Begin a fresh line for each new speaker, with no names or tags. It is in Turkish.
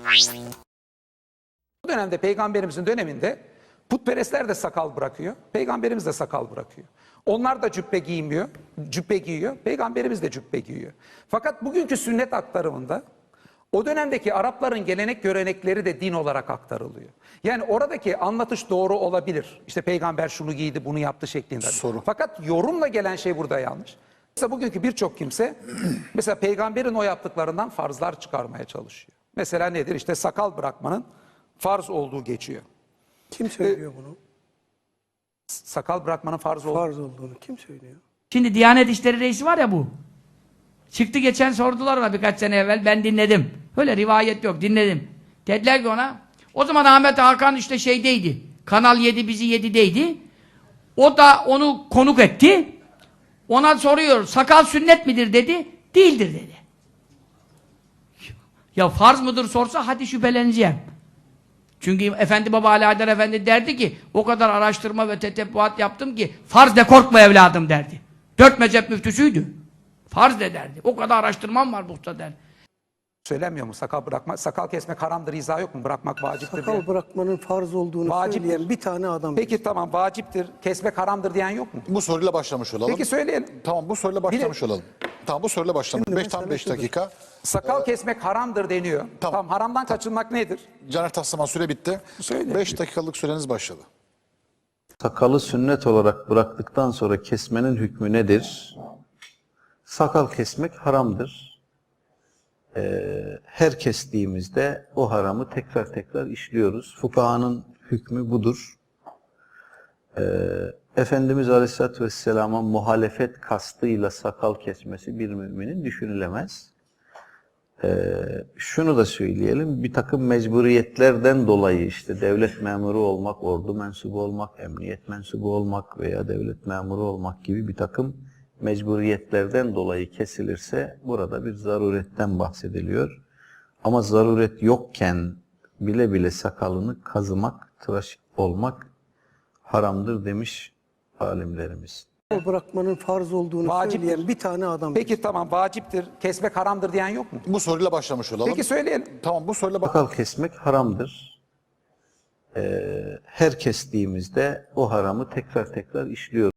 Bu dönemde peygamberimizin döneminde putperestler de sakal bırakıyor. Peygamberimiz de sakal bırakıyor. Onlar da cübbe giymiyor, cübbe giyiyor. Peygamberimiz de cübbe giyiyor. Fakat bugünkü sünnet aktarımında o dönemdeki Arapların gelenek görenekleri de din olarak aktarılıyor. Yani oradaki anlatış doğru olabilir. İşte peygamber şunu giydi, bunu yaptı şeklinde.
Soru.
Fakat yorumla gelen şey burada yanlış. Mesela bugünkü birçok kimse mesela peygamberin o yaptıklarından farzlar çıkarmaya çalışıyor. Mesela nedir? İşte sakal bırakmanın farz olduğu geçiyor.
Kim söylüyor bunu?
Sakal bırakmanın farz olduğu.
Farz olduğunu kim söylüyor?
Şimdi Diyanet İşleri Reisi var ya bu. Çıktı geçen sordular ona birkaç sene evvel. Ben dinledim. Öyle rivayet yok. Dinledim. Dediler ki ona. O zaman Ahmet Hakan işte şeydeydi. Kanal 7 bizi 7'deydi. O da onu konuk etti. Ona soruyor. Sakal sünnet midir dedi. Değildir dedi. Ya farz mıdır sorsa hadi şüpheleneceğim. Çünkü Efendi Baba Ali Haydar Efendi derdi ki o kadar araştırma ve tetebbuat yaptım ki farz de korkma evladım derdi. 4 mezhep müftüsüydü. Farz de derdi. O kadar araştırmam var buhta derdi.
Söylemiyor mu sakal bırakma, sakal kesmek haramdır, izah yok mu? Bırakmak vaciptir diye.
Sakal bırakmanın farz olduğunu
Vaciptir.
söyleyen bir tane adam.
Peki tamam, vaciptir, kesmek haramdır diyen yok mu?
Bu soruyla başlamış olalım.
Peki söyleyelim.
Tamam, bu soruyla başlamış olalım. Tamam, bu soruyla başlamış.
Şimdi
Tam
mesele
5
şudur.
dakika.
Sakal kesmek haramdır deniyor. Tamam, haramdan kaçınmak nedir?
Caner Taslaman süre bitti.
Söyle.
5 dakikalık süreniz başladı.
Sakalı sünnet olarak bıraktıktan sonra kesmenin hükmü nedir? Sakal kesmek haramdır. Her kestiğimizde o haramı tekrar tekrar işliyoruz. Fukahanın hükmü budur. Efendimiz Aleyhisselatü Vesselam'a muhalefet kastıyla sakal kesmesi bir müminin düşünülemez. Şunu da söyleyelim, bir takım mecburiyetlerden dolayı işte devlet memuru olmak, ordu mensubu olmak, emniyet mensubu olmak veya devlet memuru olmak gibi bir takım mecburiyetlerden dolayı kesilirse burada bir zaruretten bahsediliyor. Ama zaruret yokken bile bile sakalını kazımak, tıraş olmak haramdır demiş alimlerimiz.
Sakal bırakmanın farz olduğunu
Vaciptir.
söyleyen bir tane adam.
Peki tamam, vaciptir, kesmek haramdır diyen yok mu?
Bu soruyla başlamış olalım.
Peki söyleyelim.
Tamam, bu soruyla
Sakal kesmek haramdır. Her kestiğimizde o haramı tekrar tekrar işliyoruz.